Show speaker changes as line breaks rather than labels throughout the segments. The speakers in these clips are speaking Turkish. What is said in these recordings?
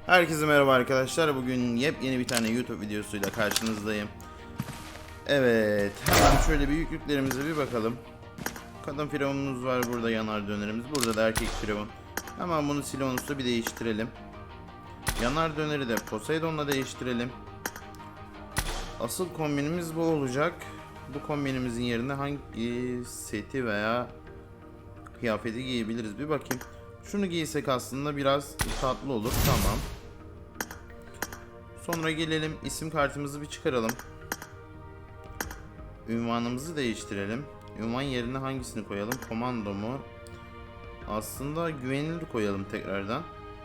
Herkese merhaba arkadaşlar. Bugün yepyeni bir tane YouTube videosuyla karşınızdayım. Evet, hemen şöyle bir yüklüklerimize bir bakalım. Kadın firavunumuz var, burada yanar dönerimiz, burada da erkek firavun. Hemen bunu Silvanus'la bir değiştirelim. Yanar döneri de Poseidon'la değiştirelim. Asıl kombinimiz bu olacak. Bu kombinimizin yerine hangi seti veya kıyafeti giyebiliriz bir bakayım. Şunu giysek aslında biraz tatlı olur. Tamam. Sonra gelelim isim kartımızı bir çıkaralım. Ünvanımızı değiştirelim. Ünvan yerine hangisini koyalım? Komando mu? Aslında güvenilir koyalım tekrardan.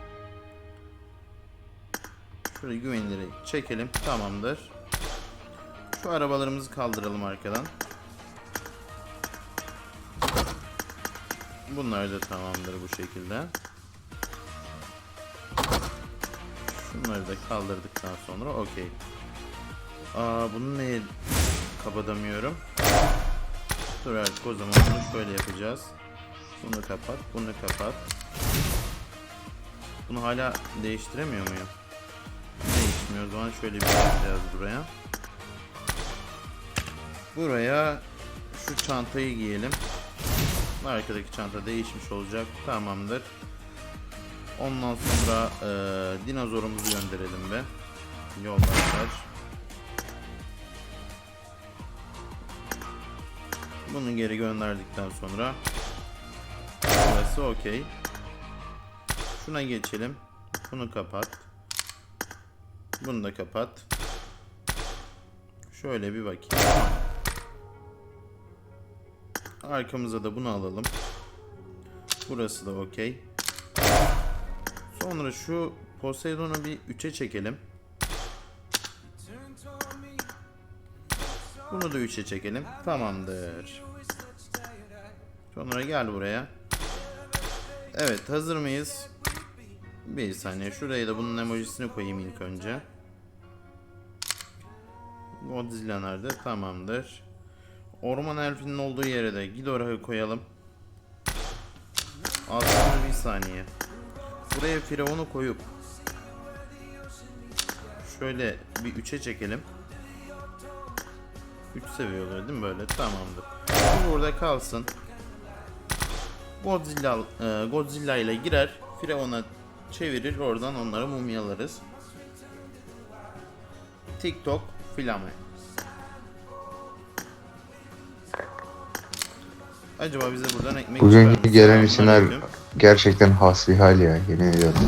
Şöyle güveniliri çekelim. Tamamdır. Şu arabalarımızı kaldıralım arkadan. Bunlar da tamamdır bu şekilde. Şunları da kaldırdıktan sonra okey. Bunu neye kapatamıyorum? Dur artık o zaman bunu şöyle yapacağız. Bunu kapat, bunu kapat. Bunu hala değiştiremiyor muyum? Değişmiyor. O zaman şöyle bir şey yapacağız buraya. Buraya şu çantayı giyelim. Arkadaki çanta değişmiş olacak. Tamamdır. Ondan sonra dinozorumuzu gönderelim be. Yoldaşlar. Bunu geri gönderdikten sonra burası okey. Şuna geçelim. Bunu kapat. Bunu da kapat. Şöyle bir bakayım. Arkamıza da bunu alalım. Burası da okey. Sonra şu Poseidon'u bir 3'e çekelim. Bunu da 3'e çekelim. Tamamdır. Sonra gel buraya. Evet, hazır mıyız? Bir saniye. Şuraya da bunun emojisini koyayım ilk önce. Godzilla nerede? Tamamdır. Orman elfinin olduğu yere de Ghidorah'ı koyalım. Aslında bir saniye. Buraya firavunu koyup şöyle bir 3'e çekelim. 3 seviye oluyor değil mi böyle? Tamamdır. Bu burada kalsın. Godzilla ile girer. Firavuna çevirir. Oradan onları mumyalarız. TikTok filame. Acaba bize buradan ekmek
Bugünkü gelen isimler
Selamünaleyküm.
gerçekten hasbihal ya, yemin ediyorum.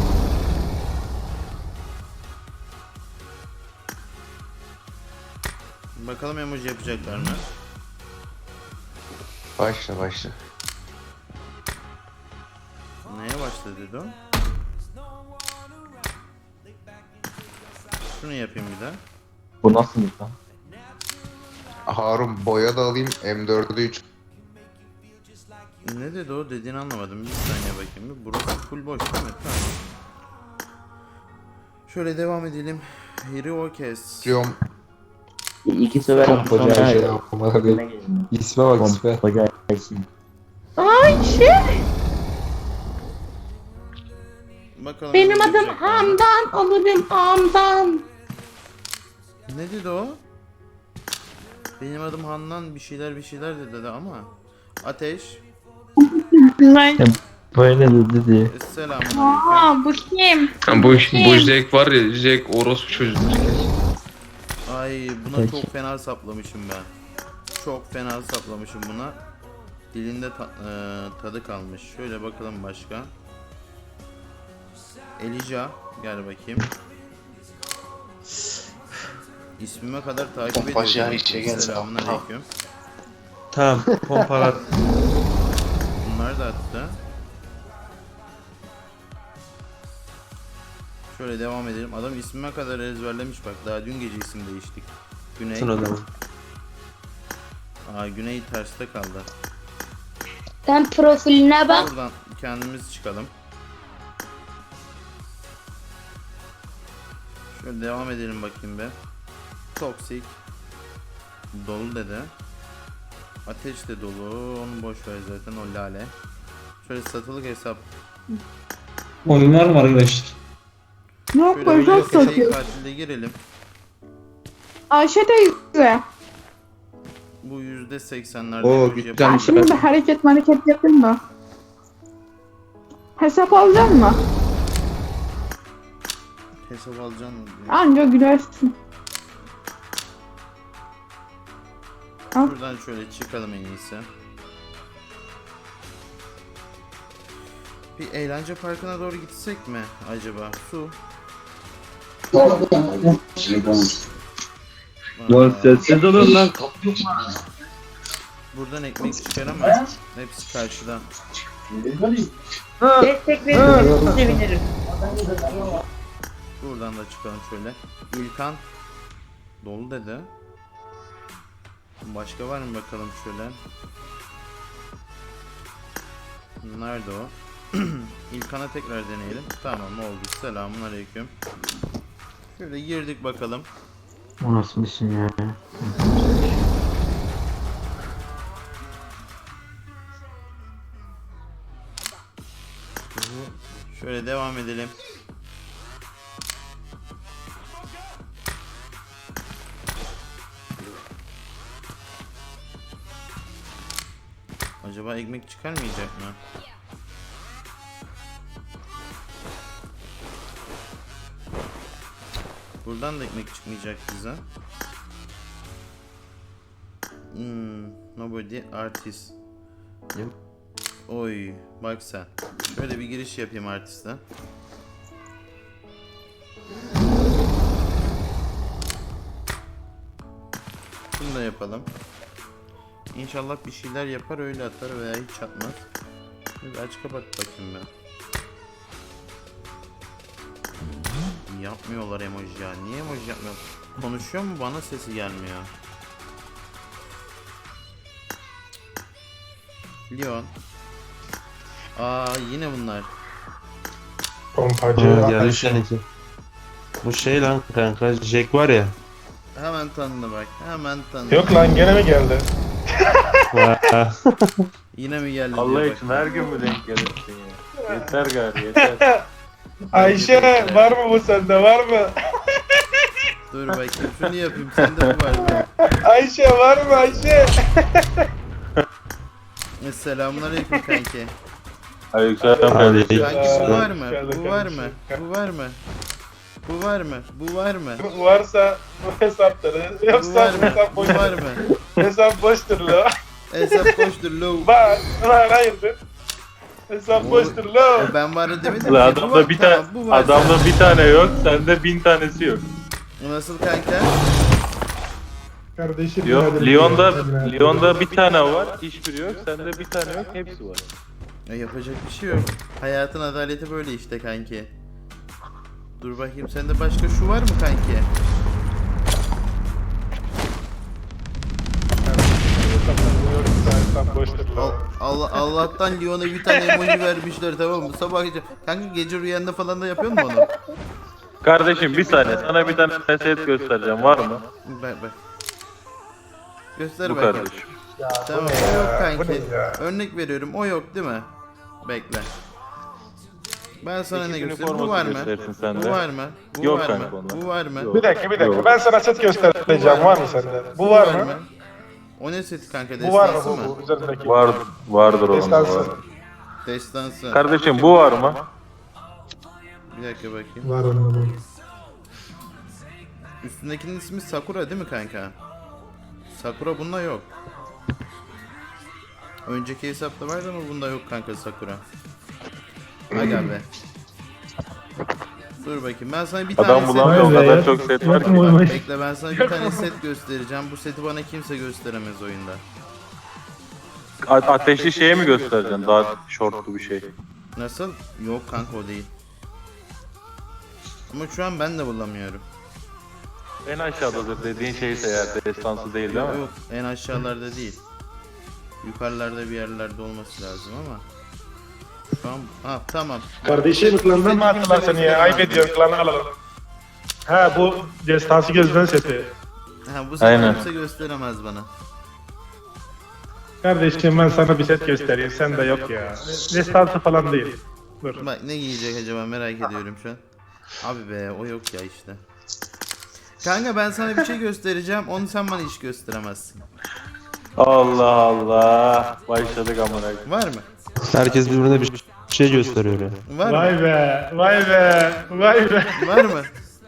Bakalım emoji yapacaklar mı?
Başla.
Neye başladı dedi o? Şunu yapayım bir de.
Bu nasıl lan?
Harun, boya da alayım, M4'ü 3.
Ne dedi o? Dediğini anlamadım. Bir saniye bakayım. Burası full boş değil mi? Tamam. Şöyle devam edelim. Hero kes.
Diyorum.
İki sever
Koca
sonra
şey yapmalı değil. İsme bak, isme.
Koca isim.
Bakalım.
Benim
emoji
adım
yapacaklar mı?
Handan, alırım ağamdan.
Ne dedi o? Benim adım Handan bir şeyler dedi ama. Ateş.
Böyle dedi.
Selamünaleyküm.
Aa, bu kim?
Yani bu Jack var ya, Jack orospu çocuğudur kesin.
Ay buna
Peki.
çok fena saplamışım ben. Çok fena saplamışım buna. Dilinde tadı kalmış. Şöyle bakalım başka. Elijah gel bakayım. İsmime kadar takip
Pompacı
ediyorum.
içe gel.
Selamünaleyküm.
Tamam, pompalar.
Bunlar da attı. Şöyle devam edelim. Adam ismime kadar ezberlemiş bak. Daha dün gece isim değiştik. Güney.
Sırada.
Güney terste kaldı.
Sen profiline bak.
Buradan kendimiz çıkalım. Şöyle devam edelim bakayım be. Toksik. Dolu dedi. Ateş de dolu. Onu boş ver zaten, o lale. Şöyle satılık hesap.
Oyun var mı arkadaşlar? Yok
Şöyle
böyle
bir
çok
seri
satıyor.
katilde girelim.
Ayşe teyze.
Bu %80'lerde
Oo,
emoji
güzel.
Ben
yapalım.
şimdi bir hareket yapayım da. Hesap alacak mı?
Hesap alacaksın mı?
Anca gülersin. Al.
Şuradan şöyle çıkalım en iyisi. Bir eğlence parkına doğru gitsek mi acaba? Su.
Lan sessiz olun lan.
Buradan ekmek çıkaramaz. Hepsi karşıda.
Destek verirseniz sevinirim.
Buradan da çıkalım şöyle. İlkan dolu dedi. Başka var mı bakalım şöyle. Nerede o? İlkan'a tekrar deneyelim. Tamam oldu. Selamun aleyküm. Şöyle girdik bakalım.
O nasıl bir şey ya?
Şöyle devam edelim. Acaba ekmek çıkarmayacak mı? Buradan da ekmek çıkmayacak bize. Nobody artist. Oy bak sen. Şöyle bir giriş yapayım artiste. Bunu da yapalım. İnşallah bir şeyler yapar öyle atar veya hiç atmaz. Bir aç kapat bakayım ben. Yapmıyorlar emoji ya. Niye emoji yapmıyor? Konuşuyor mu? Bana sesi gelmiyor. Leon. Aa yine bunlar.
Pompacı.
Geldi seninki. Bu şey lan kanka Jack var ya.
Hemen tanıdı bak. Hemen tanıdı.
Yok lan gene mi geldi?
Yine mi geldi
Allah
diyor
için
bak.
her gün mü denk gelirsin ya? Yeter gari yeter.
Ayşe var mı bu sende var mı?
Dur bakayım şunu yapayım. Sende bu var mı?
Ayşe var mı Ayşe?
Selamünaleyküm kanki.
Aleykümselam
Hadi.
kardeşim.
Kanki bu var mı?
Geldi
Bu var mı?
kardeşim.
Bu var mı? Bu var mı? Bu var mı?
Varsa bu hesapları
Bu
yoksa
var mı?
hesap
Bu
boş.
var mı?
Hesap boştur lo.
Hesap boştur low.
Var hayırdır? Hesap boştur lo.
Ben var demedim
Ulan
ki. Bu
adamda
var,
bir tane
tamam, bu var.
adamda bir tane yok, sende 1000 tanesi yok.
Nasıl kanka?
Kardeşim.
Yok,
hadi
Lyon'da
hadi.
Lyon'da bir tane var, hiçbiri yok. Sende bir tane yok, hepsi var.
Ya yapacak bir şey yok. Hayatın adaleti böyle işte kanki. Dur bakayım sende başka şu var mı kanki?
Hesap boştur lo.
Allah'tan Leon'a bir tane emoji vermişler tamam mı? Sabah gece. Kanka gece rüyanda falan da yapıyor mu onu?
Kardeşim bir saniye, sana bir tane set göstereceğim, var mı?
Bak. Göster
Bu
bakayım.
kardeşim.
Tamam
bu
o
ne
yok
ya? Bu
kanki.
ne ya?
Örnek veriyorum o yok değil mi? Bekle. Ben sana
İki
ne
günün
göstereyim? Bu
forması
var mı?
göstersin sende.
Bu var mı? Bu
Yok
var
kanka
mı?
onlar.
Bu var mı?
Yok.
Bir dakika
Yok.
ben sana set göstereceğim var mı sende? Bu var mı?
O ne seti kanka?
Bu var mı
Destansı mı?
bu üzerindeki?
Vardır onun.
Destansı.
Var.
Destansı.
Kardeşim bu var mı?
Bir dakika bakayım.
Var mı bu?
Üstündekinin ismi Sakura değil mi kanka? Sakura bunda yok. Önceki hesapta vardı ama bunda yok kanka Sakura. Aga be. Dur bakayım ben sana bir tane
Adam
set
bulamıyor, o kadar çok set var ki.
Bekle ben sana bir tane set göstereceğim. Bu seti bana kimse gösteremez oyunda.
Ateşli şeye mi göstereceksin? Daha shortlu bir şey.
Nasıl? Yok kanka o değil. Ama şu an ben de bulamıyorum.
En aşağıdadır dediğin şeyse eğer destansı değil değil mi?
Yok en aşağılarda değil. Yukarılarda bir yerlerde olması lazım ama. Şu an tamam.
Kardeşim klandan mı attılar seni ya? Ayıp ediyorum klanı alalım. Ha bu destansı gözden seti.
Ha, bu
Aynen.
seti kimse gösteremez bana.
Kardeşim ben sana bir set göstereyim. Sen de yok ya. Destansı falan değil. Dur.
Bak ne giyecek acaba merak ediyorum şu an. Abi be o yok ya işte. Kanka ben sana bir şey göstereceğim. Onu sen bana hiç gösteremezsin.
Allah Allah. Başladık amına koyayım.
Var mı?
Herkes birbirine bir şey gösteriyor ya.
Var mı?
Vay be, vay be, vay be.
Var mı?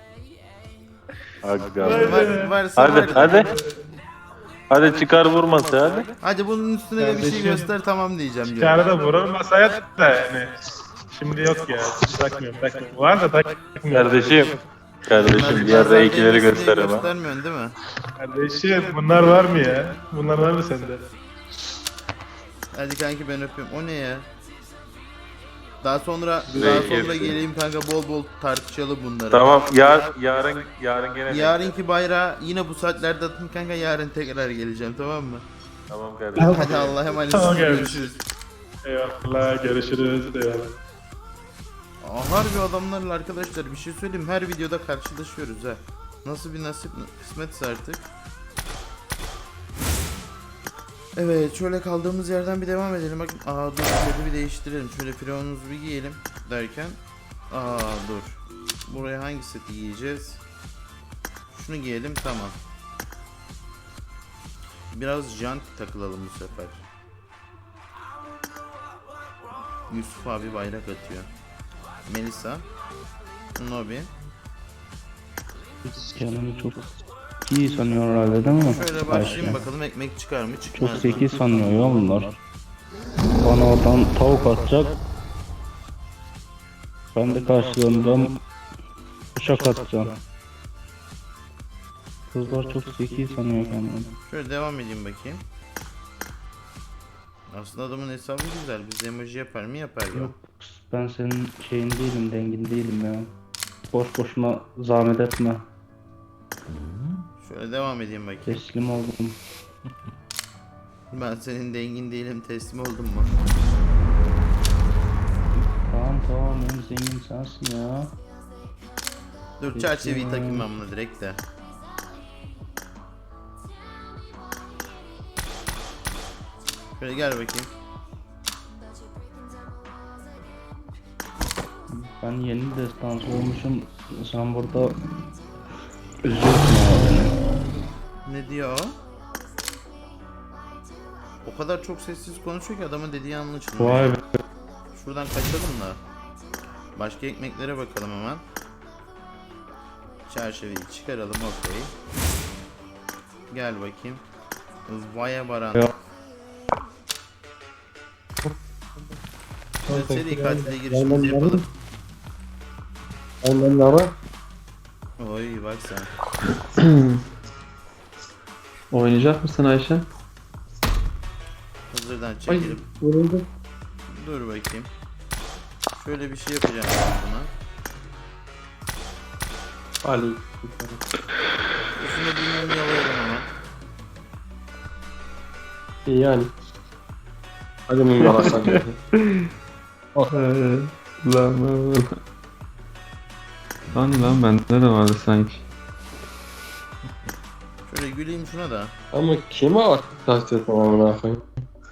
Aga.
Varsa
Hadi
var.
hadi. Hadi çıkar vurması hadi.
Hadi bunun üstüne de bir şey göster tamam diyeceğim diyorum.
Çağrı da vurur masaya da yani. Şimdi yok ya. Takmıyorum. Var da takmıyorum.
Kardeşim. Kardeşim diğer R2'leri gösterim ha.
Göstermiyorsun değil mi?
Kardeşim bunlar var mı ya? Bunlar var mı sende?
Hadi kanki ben öpüyorum. O ne ya? Daha sonra
Peki.
geleyim kanka bol bol tartışalım bunları.
Tamam yarın gene.
Yarınki bayrağı yine bu saatlerde atın kanka yarın tekrar geleceğim tamam mı?
Tamam kardeşim.
Hadi Allah'a emanet
Tamam,
olun,
görüşürüz.
görüşürüz.
Eyvallah görüşürüz. Eyvallah.
Harbi adamlarla arkadaşlar bir şey söyleyeyim her videoda karşılaşıyoruz ha. Nasıl bir nasip kısmetse artık. Evet şöyle kaldığımız yerden bir devam edelim. Bakın dur şöyle bir değiştirelim. Şöyle firavunumuzu bir giyelim derken. Dur. Buraya hangi seti giyeceğiz? Şunu giyelim tamam. Biraz jant takılalım bu sefer. Yusuf abi bayrak atıyor. Melisa. Nobi.
Canımı çok iyi sanıyor herhalde değil mi?
Şöyle başlayayım bakalım ekmek çıkar mı çıkmaz
Çok
mı?
zeki sanıyor ya bunlar. Bana oradan tavuk atacak. Ben de karşılığında bıçak atacağım. Kızlar çok zeki sanıyor kendini.
Şöyle devam edeyim bakayım. Aslında adamın hesabı güzel. Biz emoji yapar mı yapar ya.
Yok ben senin şeyin değilim, dengin değilim ya. Boş boşuna zahmet etme.
Şöyle devam edeyim bakayım.
Teslim oldum.
Ben senin dengin değilim teslim oldum mu?
Tamam en zengin sensin ya.
Dur çerçeveyi takayım ben buna direkt de. Şöyle gel bakayım.
Ben yeni destansı olmuşum. Sen burada üzüyorsun ya beni.
Ne diyor o? O kadar çok sessiz konuşuyor ki adamın dediği anlaşılmıyor.
Vay be.
Şuradan kaçalım da. Başka ekmeklere bakalım hemen. Çerçeveyi çıkaralım okey. Gel bakayım. Vaya Baran.
Ya.
Seri katile girişimizi yapalım. Oy bak sen.
Oynayacak mısın Ayşe?
Hazırdan çekelim. Dur bakayım. Şöyle bir şey yapacağım ben buna.
Ali.
Üstüne bir mum yalayalım hemen.
Yani. Hadi mum yalasan. Lan bende de vardı sanki.
Şöyle güleyim şuna da.
Ama kime taş etmem amına koyayım?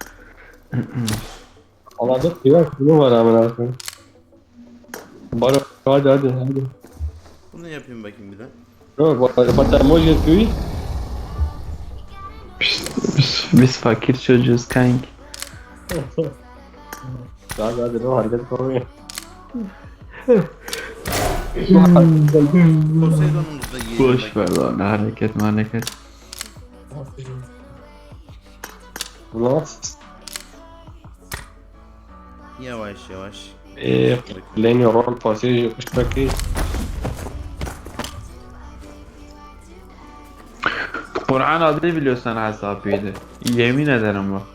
Aladık biraz kimi var amına koyayım? Bari hadi.
Bunu yapayım bakayım bir de.
Yok batamos yapıyor.
Biz fakir çocuğuz kanki.
Hadi o hareket koyuyor.
Poseidon'umuzu da giyelim
Boş
bakayım.
ver lan hareket.
Ulan.
Yavaş yavaş.
Lenio rol pasaj yapıştı ki.
Kur'an adını biliyorsan hesabıydı. Yemin ederim bak.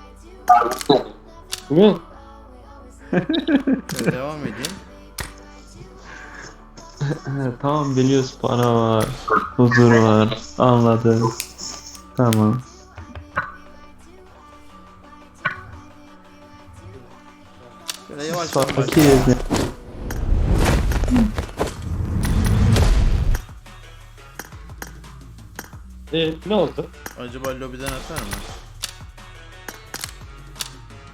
Ne?
Şöyle devam edeyim.
Tamam biliyoruz para var. Huzur var. Anladım. Tamam.
Şöyle yavaş yavaş.
Fakiriz ya.
Ne oldu?
Acaba lobiden atar mı?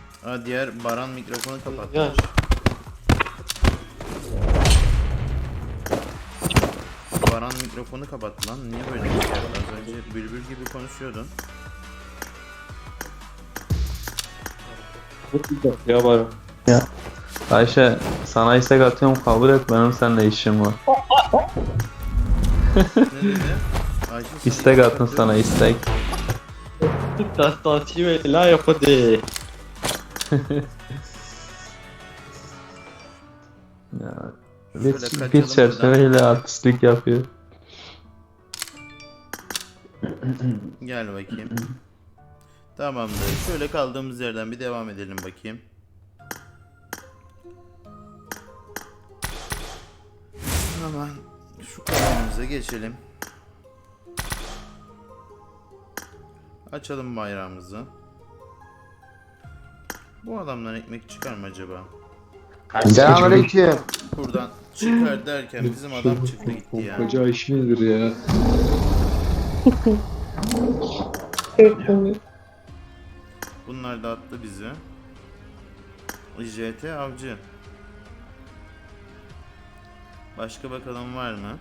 Diğer Baran mikrofonu kapatmış.
Ya.
Baran mikrofonu kapattı lan. Niye böyle bir şey yaptı? Az önce bülbül gibi konuşuyordun.
Ya var.
Ayşe sana istek atıyorum kabul et benim seninle işim var.
Ne dedi? Ayşe sen
İstek attın sana istek.
Testosterone la yapıdı.
Ya,
Şöyle
bir
kaçalım
çerçeveyle artistlik yapıyor.
Gel bakayım. Tamamdır. Şöyle kaldığımız yerden bir devam edelim bakayım. Hemen şu kalemimize geçelim. Açalım bayrağımızı. Bu adamdan ekmek çıkar mı acaba?
Selamünaleyküm.
Buradan çıkar derken bizim adam çıktı gitti ya.
Pompacı Ayşe nedir ya?
Bunlar da attı bizi. JT avcı. Başka bakalım var mı?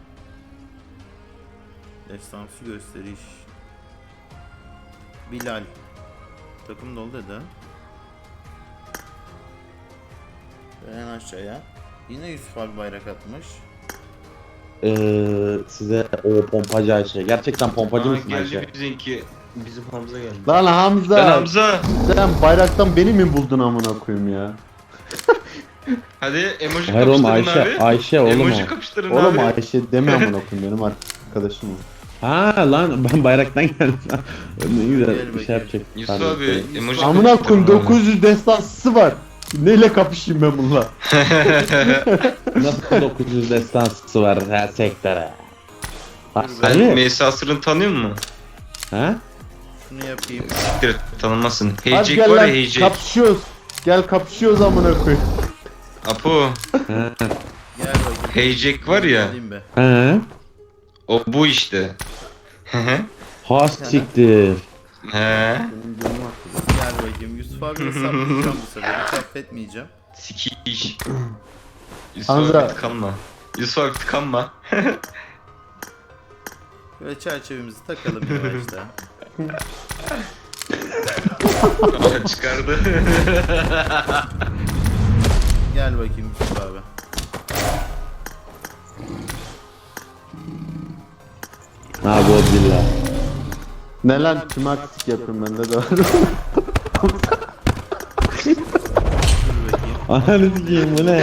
Destansı gösteriş. Bilal. Takım dolu dedi. Ve en aşağıya. Yine Yusuf abi bayrak atmış.
Size o pompacı Ayşe. Gerçekten pompacı mısın Ayşe?
Geldi bizimki. Bizim Hamza geldi.
Lan
Ben
Hamza!
Hamza.
Sen bayraktan beni mi buldun amına koyayım ya?
Hadi emoji
Hayır oğlum
kapıştırın
Ayşe,
abi.
Ayşe oğlum
Emoji
o.
kapıştırın
Oğlum
abi.
Ayşe deme amına koyayım benim arkadaşım o. Ha lan ben bayraktan geldim. Ne güzel bir şey yapacak.
Yusuf abi emoji
Amına koyayım
kapıştırın abi.
900 destansı var. Neyle kapışayım ben bununla? Nasıl 900 destansı var her sektöre?
Sen Meysa Asır'ın tanıyor musun?
Ha?
Şunu yapayım.
Siktir et, tanımazsın.
Hadi
Heycek
gel
var ya
lan
Heycek.
kapışıyoruz. Gel kapışıyoruz amına koyayım.
Apo.
Gel bakayım.
Heycek var ya.
Alayım be.
He?
O bu işte. Hı hı.
Ha siktir.
He.
Gel bakayım. Yusuf abi saplayacağım bu sefer. Hiç affetmeyeceğim.
Sikiş. Yusuf
Hamza.
abi tıkanma. Yusuf abi tıkanma.
Böyle çerçevemizi takalım yavaşta.
Aa, çıkardı.
Gel bakayım Yusuf abi.
Ha Godzilla. Ne lan tüm artistik yapıyorum bende de var.
Dur bakayım.
Ananı sikeyim bu ne?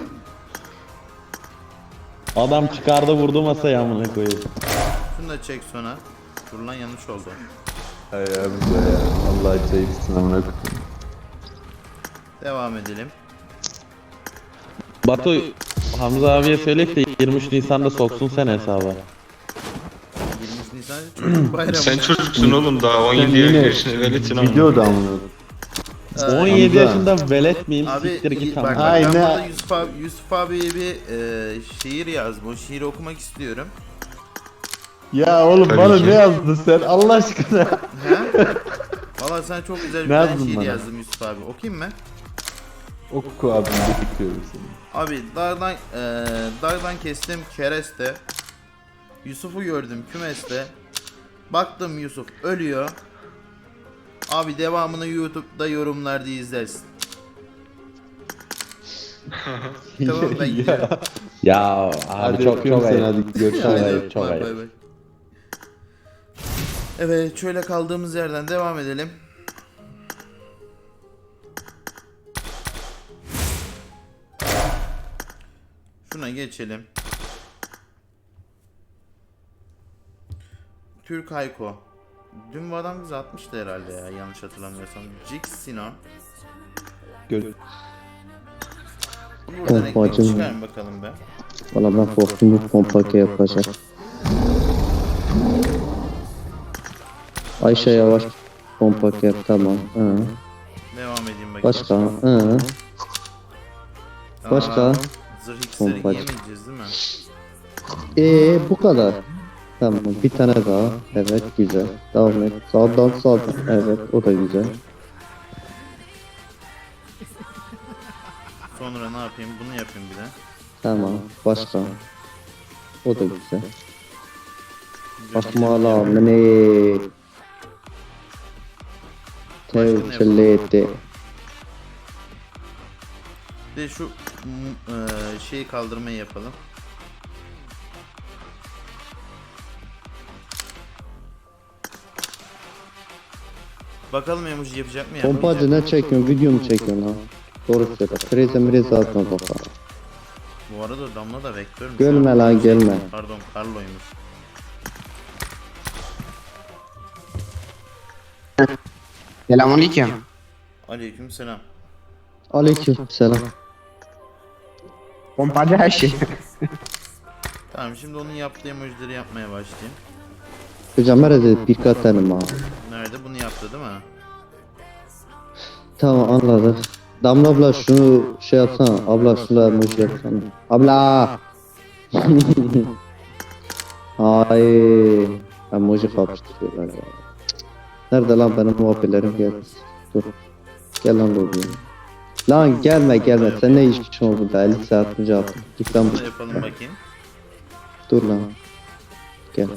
Adam çıkardı vurdu masaya amına koyayım.
Şunu da çek sona. Dur lan yanlış oldu.
Hay abi ya. Allah çeksin amına koyayım.
Devam edelim.
Batu Hamza abiye söyle de 23 Nisan'da soksun sen hesaba.
23 Nisan çocuk bayramı.
Sen çocuksun oğlum daha 17 yaşında veletin ama.
Videoda amına. 17
Hamza.
yaşında velet miyim?
Abi
Siktir git
bak,
amına.
ben
Aynen.
burada Yusuf abiye bir şiir yazdım. O şiiri okumak istiyorum.
Ya oğlum
Tabii
bana
ki.
ne yazdın sen Allah aşkına?
He? Valla sana çok güzel bir
Ne
tane
yazdın
şiir
bana?
yazdım Yusuf abi. Okuyayım mı?
Oku abim bekliyorum seni.
Abi dağdan kestim kereste. Yusuf'u gördüm kümeste. Baktım Yusuf ölüyor. Abi devamını YouTube'da yorumlarda izlersin. Tamam ben gidiyorum.
Ya abi çok ayıp. Hadi görüşürüz. Çok
Hadi,
ayıp, çok
bay
ayıp.
bay bay. Evet şöyle kaldığımız yerden devam edelim. Şuna geçelim. Türk Hayko. Dün bu adam bize atmıştı herhalde ya yanlış hatırlamıyorsam. Jix Sinan. Buradan ekmek çıkar mı bakalım be.
Valla ben korktum bu pompa yapacak. Ayşe yavaş pompa yap tamam. Hı.
Devam edeyim bakayım.
Başka. Hı. Başka.
Aa, zırh iksiri
Pompacı.
yemeyeceğiz değil mi?
Bu kadar. Tamam bir tane daha. Evet güzel. Devam et. Sağdan sağdan. Evet o da güzel.
Sonra ne yapayım? Bunu yapayım bir de.
Tamam. Başka. O da güzel.
Basmala mene. Tevcilleti.
De şu şeyi kaldırmayı yapalım. Bakalım emoji yapacak mı ya?
Pompacı ne çekiyorsun? Video mu çekiyorsun lan? Doğru söyle. Prize atma baba.
Bu arada Damla da vektörmüş.
Gelme lan, gelme.
Pardon, Carlo'ymuş.
Selamünaleyküm.
Aleykümselam.
Aleykümselam.
Pompacı her şey.
Tamam, şimdi onun yaptığı emojileri yapmaya başlayayım.
Hocam nerede birkaç tane var.
Nerede? Bunu yaptı değil mi?
Tamam anladık. Damla abla şunu şey yapsana. Abla şunu emoji yapsana. Abla. Ay. Emoji kapıştırıyorlar ya. Nerede lan benim muhabbirlerim gel. Dur. Gel lan lobiye. Lan gelme. Sen ne iş için oldu burada? 50 saat önce attım. Git lan
Bunu da yapalım bakayım.
dur lan. Gel.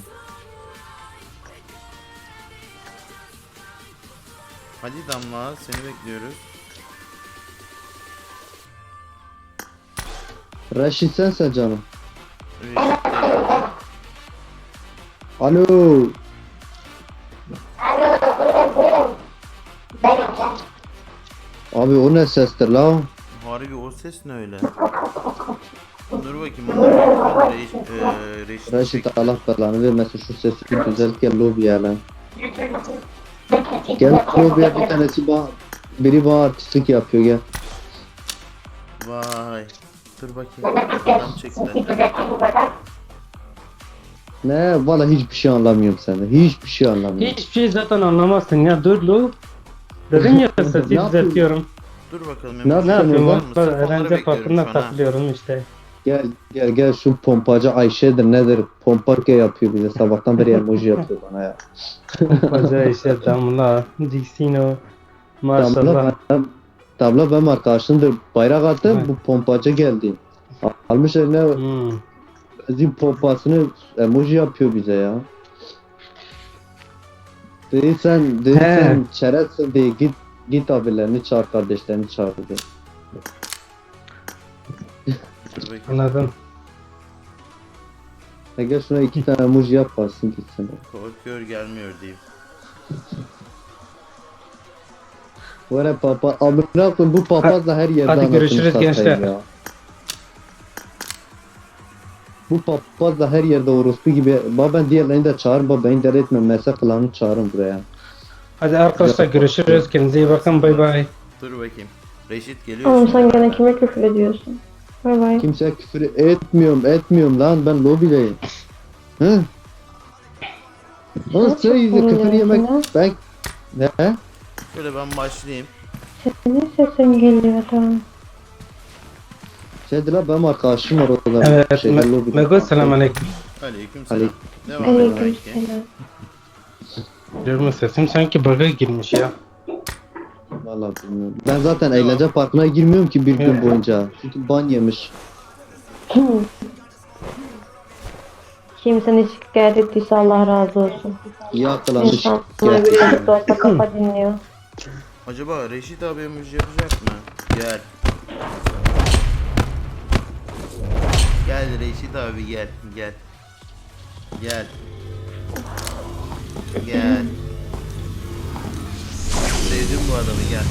Hadi Damla, seni bekliyoruz.
Reşit sensen canım.
Reşit de-
Alo. Abi o ne sestir lan?
Harbi o ses ne öyle? Dur bakayım onu. Reşit.
Reşit Allah belanı vermesin şu sesi bir güzel gel lobiye lan. Gel lobiye bir tanesi biri bana artistlik yapıyor gel.
Vay. Dur bakayım. Adam çekti.
Ne valla hiçbir şey anlamıyorum senden. Hiçbir şey anlamıyorum.
Hiçbir şey zaten anlamazsın ya, dur lo. Dedim ya sesi
yapıyorsun?
düzeltiyorum.
Dur bakalım.
Ne
emoji
Ne yapıyorum
var
bak,
mı?
bak
Sırf onları
eğlence
bekliyorum
parkında
şu an, ha.
takılıyorum işte.
Gel şu pompacı Ayşe'dir nedir? Pomparke yapıyor bize sabahtan beri emoji yapıyor bana ya.
Hoca işte Damla, Dixino, maşallah.
Tabla benim arkadaşımdır. Bayrak attı
Evet.
bu pompacı geldi. Almış eline zil pompasını emoji yapıyor bize ya. Dedi sen çerezsin diye git abilerini çağır kardeşlerini çağır dedi.
Dur bakayım.
Anladım.
Gel şuna 2 tane emoji yap bassın gitsin.
Korkuyor gelmiyor diyeyim.
Böyle papa amına koyayım bu papaz da her yerde
Hadi
anasını
görüşürüz
satayım
gençler.
ya. Bu papaz da her yerde orospu gibi. Ben diğerlerini de çağırın. Beni dert etme. Mesela klanı çağırın buraya.
Hadi arkadaşlar görüşürüz. Kendinize iyi bakın. Bay bay.
Dur bakayım. Reşit geliyor.
Oğlum
şimdi.
sen gene kime küfür ediyorsun? Bay bay.
Kimseye küfür etmiyorum lan. Ben lobideyim. Hı? Lan sen yüzü küfür yemek. Ben... Ne?
Şöyle ben başlayayım.
Senin sesin geliyor tamam.
Şeydi lan benim arkadaşım var orada.
Evet,
lobide.
Mego selamünaleyküm.
Aleykümselam.
Aleyküm.
Devam et
Aleyküm
belki.
selam.
Diyorum sesim sanki bug'a girmiş ya.
Vallahi bilmiyorum. Ben zaten eğlence parkına girmiyorum ki bir gün boyunca. Çünkü ban yemiş.
Kim seni şikayet ettiyse Allah razı olsun.
İyi akılanmış.
İnsanlar birazcık da olsa kafa dinliyor.
Acaba Reşit abi emoji yapacak mı? Gel. Gel Reşit abi gel. Gel. Gel. Gel. Sevdim bu adamı gel.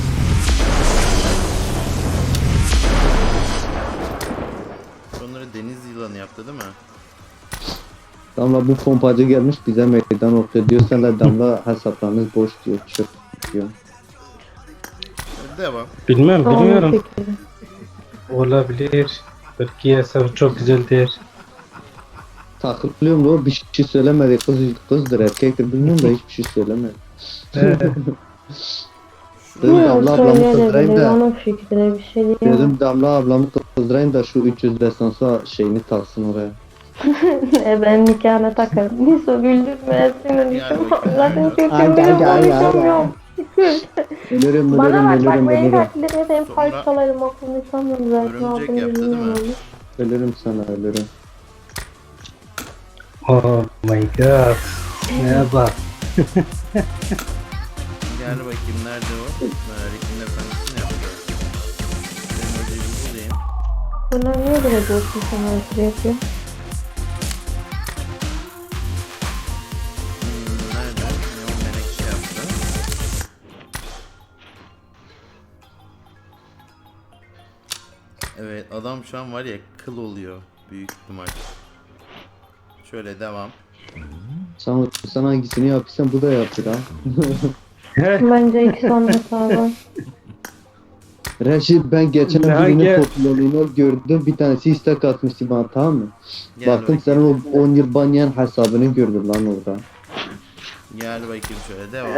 Onları deniz yılanı yaptı değil mi?
Damla bu pompacı gelmiş bize meydan okuyor. Diyor sen de Damla hesaplarınız boş diyor. Çöp diyor.
Devam.
Bilmiyorum.
Peki.
Olabilir. Belki hesabı çok güzeldir.
Takılıyorum da o bir şey söylemedi. Kızdır erkektir bilmiyorum da hiçbir şey söylemedi. Dedim
Bilmiyorum
Damla ablamı kızdırayım
söyleyebilir.
da.
Onun fikrine bir şey diyemem.
Dedim Damla ablamı kızdırayım da şu 300 destansa şeyini taksın oraya.
Ben nikahına takarım. Neyse güldürme. Sinirliyim. Zaten kötü konuşamıyorum.
Ölürüm
Bana
ölürüm
bak
ölürüm
benim
ölürüm.
kalplerime senin parçalarım okulunu sanmıyorum zaten.
Örümcek
Altını
yaptı değil mi?
bilmiyorum.
Ölürüm sana ölürüm.
Oh my god. Ne bak.
Gel bakayım nerede o? Rick'in efendisini yapacağız. Benim hocayı bir bulayım.
Bunlar niye böyle dostum sana ötürü yapıyor?
Nerede? Ne o menekşe yaptı? Evet adam şu an var ya kıl oluyor büyük ihtimal. Şöyle devam.
Sen hangisini yapıyorsan bu da yaptır ha.
Bence ikisi olması lazım.
Reşit ben geçen
Ya
birinin
gel.
popülerliğini gördüm. Bir tanesi istek atmıştı bana, tamam mı?
Gel
Baktım
bakayım.
senin o 10 yıl banlayan hesabını gördüm lan orada.
Gel bakayım şöyle devam.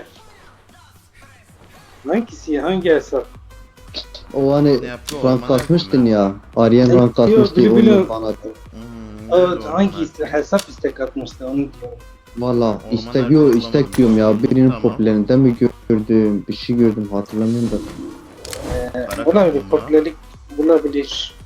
Hangisi? Hangi hesap?
O hani
Ne yaptı?
rank
Ormana
kasmıştın
yaptım
ya. Aryan rank kasmıştı ya, 10 yıl bana.
nerede
hangi
ormana?
hesap istek atmıştı onu diyorum.
Valla
Ormana
istek yok,
yaptım,
istek diyorum ya. Birinin
Tamam.
popülerinden mi gördüm? Bir şey gördüm, hatırlamıyorum da.
Para
Olabilir,
kaplumbağa.
popülerlik bulabilir.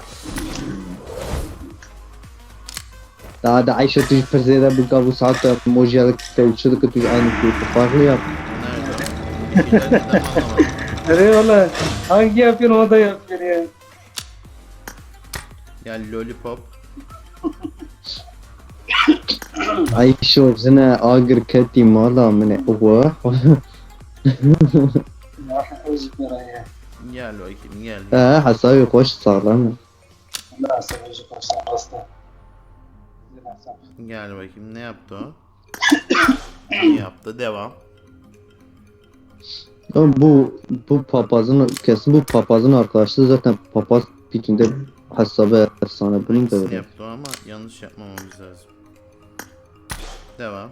Daha da Ayşe tuş persede bir kavu saat yaptım. Mojiyalık tevçilik tuş aynı şey. Farklı yap.
Nerede? Bir şeyler neden anlamadım.
Nereye valla? Hangi yapıyorsun o da yapıyor ya.
Gel lollipop.
Ayşe orzine agır ketim valla mene. Oha.
Gel bakayım gel.
Hasabi hoş sağlam.
Gel bakayım ne yaptı o? Ne yaptı? Devam.
Ama bu papazın kesin bu papazın arkadaşı zaten papaz pikinde hesabı efsane bunun da
Ne
öyle.
yaptı o ama yanlış yapmamamız lazım. Devam.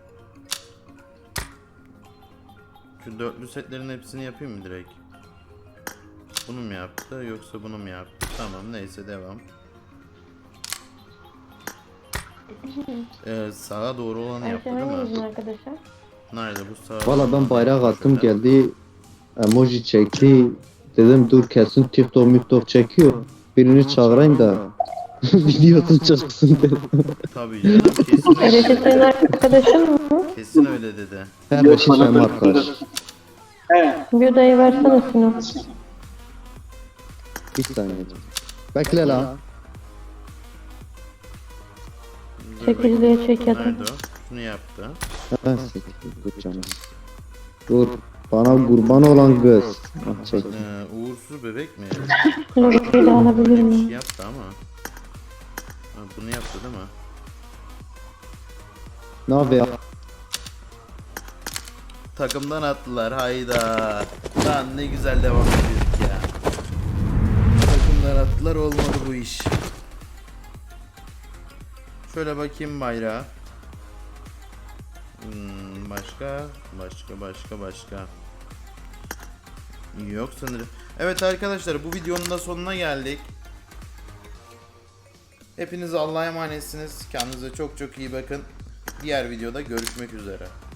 Şu dörtlü setlerin hepsini yapayım mı direkt? Bunu mu yaptı yoksa bunu mu yaptı? Tamam neyse devam. Sağa doğru olanı yaptı
Ayşe
değil
hangimizin
mi?
arkadaşı?
Nerede bu sağa?
Valla ben bayrak attım geldi. Emoji çekti. Dedim dur kesin TikTok çekiyor. Birini çağırayım da videosu çıksın dedim.
Tabii canım kesin
Reşit
öyle
senin
dedi.
arkadaşın mı?
Kesin öyle dedi.
Her bir şey benim arkadaş.
Bir odayı versene Sinan.
Bir saniye. Bekle la.
Dur
Çekiciliğe
bakayım.
çek ya da.
Nerede o? Şunu yaptı.
Ben siktir canım. Dur. Bana kurban olan kız. Ah, çek.
Uğursuz bebek mi?
Logoyu da alabilir
Bir
miyim?
şey yaptı ama. Ha, bunu yaptı değil mi?
Ne yapıyor?
Takımdan attılar hayda. Lan ne güzel devam ediyorduk ya. Takımdan attılar olmadı bu iş. Şöyle bakayım bayrağa. Başka. Yok sanırım. Evet arkadaşlar bu videonun da sonuna geldik. Hepiniz Allah'a emanetsiniz. Kendinize çok iyi bakın. Diğer videoda görüşmek üzere.